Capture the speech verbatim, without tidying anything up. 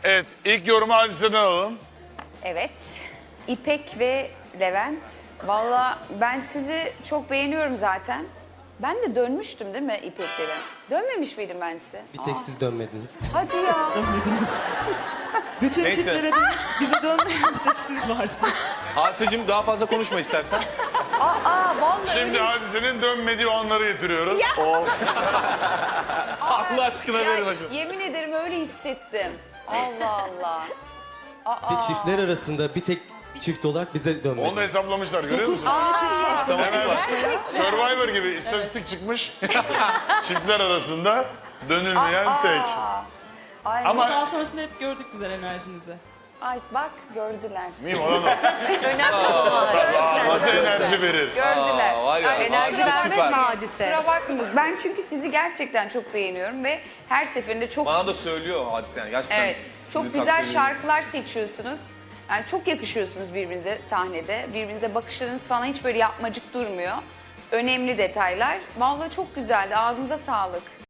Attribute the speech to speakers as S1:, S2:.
S1: Evet, ilk yorumu Hadise'den alalım.
S2: Evet. İpek ve Levent. Valla ben sizi çok beğeniyorum zaten. Ben de dönmüştüm değil mi İpek'lere? Dönmemiş miydim ben size?
S3: Bir tek siz dönmediniz.
S2: Hadi ya.
S4: Dönmediniz. Bütün
S5: Neyse.
S4: çiftlere dön, bize dönmeyen bir tek siz vardınız.
S5: Hadiseciğim daha fazla konuşma istersen.
S2: Aa vallahi.
S1: Şimdi Hadise'nin dönmediği onları getiriyoruz.
S5: Allah aşkına
S2: Ya,
S5: verin hocam.
S2: yemin ederim öyle hissettim. Allah Allah.
S3: Ve çiftler arasında bir tek çift olarak bize dönmediniz.
S1: Onu da hesaplamışlar görüyor
S4: Dokuz
S1: musun?
S4: tane çift var.
S1: Hemen Survivor gibi istatistik çıkmış. Çiftler arasında dönülmeyen tek.
S2: Ay,
S1: Ama
S4: Daha sonrasında hep gördük güzel enerjinizi.
S2: ay bak gördüler.
S1: miyim olan o?
S2: Önemli olan.
S1: Nasıl enerji verir?
S2: Gördüler.
S5: Aa, var ya,
S2: Ay,
S5: enerji
S2: kusura
S5: vermez
S2: bakmayın,
S5: mi
S6: hadise?
S2: Kusura bakmayın. Ben çünkü sizi gerçekten çok beğeniyorum ve her seferinde çok
S5: Bana da söylüyor Hadise yani gerçekten.
S2: evet
S5: sizi
S2: çok
S5: takdir
S2: güzel
S5: ediyorum.
S2: şarkılar seçiyorsunuz. Yani çok yakışıyorsunuz birbirinize sahnede. Birbirinize bakışlarınız falan hiç böyle yapmacık durmuyor. Önemli detaylar. Vallahi çok güzeldi. Ağzınıza sağlık.